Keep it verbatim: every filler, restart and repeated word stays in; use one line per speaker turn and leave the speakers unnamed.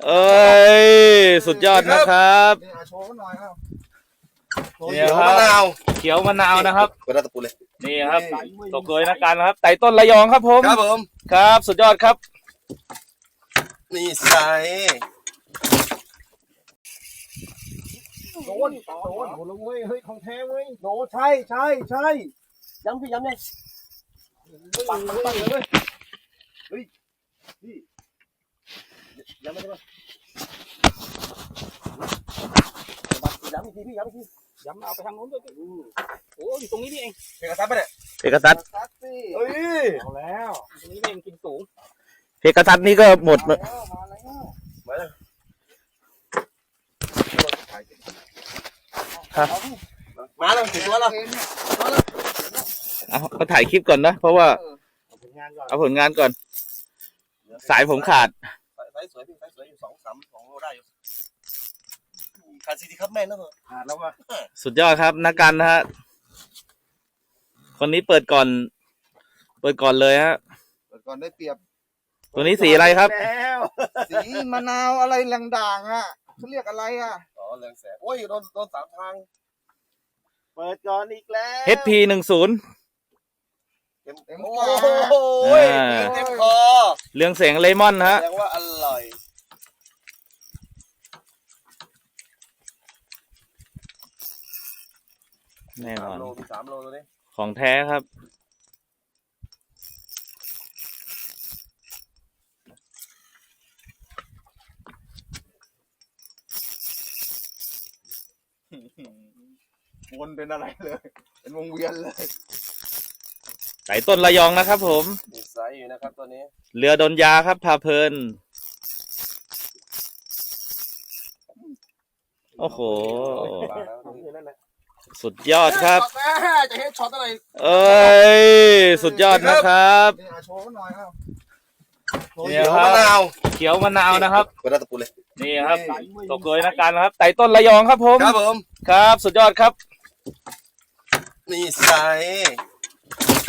เอ้ยสุดยอดนะครับ
โชว์หน่อยครับ
เขียวมะนาวเขียวมะนาวนะครับ
เปิดหน้าตะปูเลย
นี่ครับตกเลยนะกันครับไต่ต้นระยองครับผม
ครับผม
ครับสุดยอดครับ
นี่ใส่
โดนโดนโดนเว้ยเฮ้ยของแท้เว้ยโดนใช่ใช่ใช่ย้ำพี่ย้ำเลยปังปังปังเลยเฮ้ยพี่ย้ำไม่ใช่ป่ะย้ำอีกทีพี่ย้ำอีกทีย้ำเอาไปทางโน้นด้วยโอ้อยู่ตรงนี้นี่เอง
เพกาซัสปะเนี่ย
เพกาซัส
เฮ้ยเอาแล้วตรงนี้เองกินสูง
เพกาซัสนี่ก็หมดมา
แล้วมาแล้ว
ครับ
มาแล้วถึงตัวแล้ว
เอาก็ถ่ายคลิปก่อนนะเพราะว่าเอาผลงานก่อนสายผมขาด
สายสวยพี่สายสวยอยู่สองสามสองโลได้อยู่ขาดซีทีครับแม่นะเหรอ
ขาดแล้วว่ะ
สุดยอดครับนักการนะฮะคนนี้เปิดก่อนเปิดก่อนเลยฮะ
เปิดก่อนได้เปรียบ
ตัวนี้สีอะไรครับ
สีมะนาวอะไรแรงด่างอ่ะเขาเรียกอะไรอ่ะอ๋อแรงแสงโอ้ยโดนโดนสามทาง
เปิดก่อนอีกแล้ว
เอช พี หนึ่งศูนย์
เต็มเต็มโอ้ยเต็มคอ
เรืองแสงเลมอนฮะ
แสดงว่าอร่อย
แน่นอน
สามโลตัวนี้
ของแท้ครับ
วนเป็นอะไรเลยเป็นวงเวียนเลย
ไต่ต้นระยองนะครับผม
มีไซส์อยู่นะครับตัวนี้
เรือดนยาครับพาเพลินโอ้โหสุดยอดครับ
จะเฮ็ดช็อตอะไร
เอ้ยสุดยอดนะครับ
โชว์หน่อยครับ
เขียวมะนาวเขียวมะนาวนะครับ
เปิดหน้าตะปูเลย
นี่ครับตกเลยนะกันครับไต่ต้นระยองครับผม
ครับผม
ครับสุดยอดครับ
นี่ใส่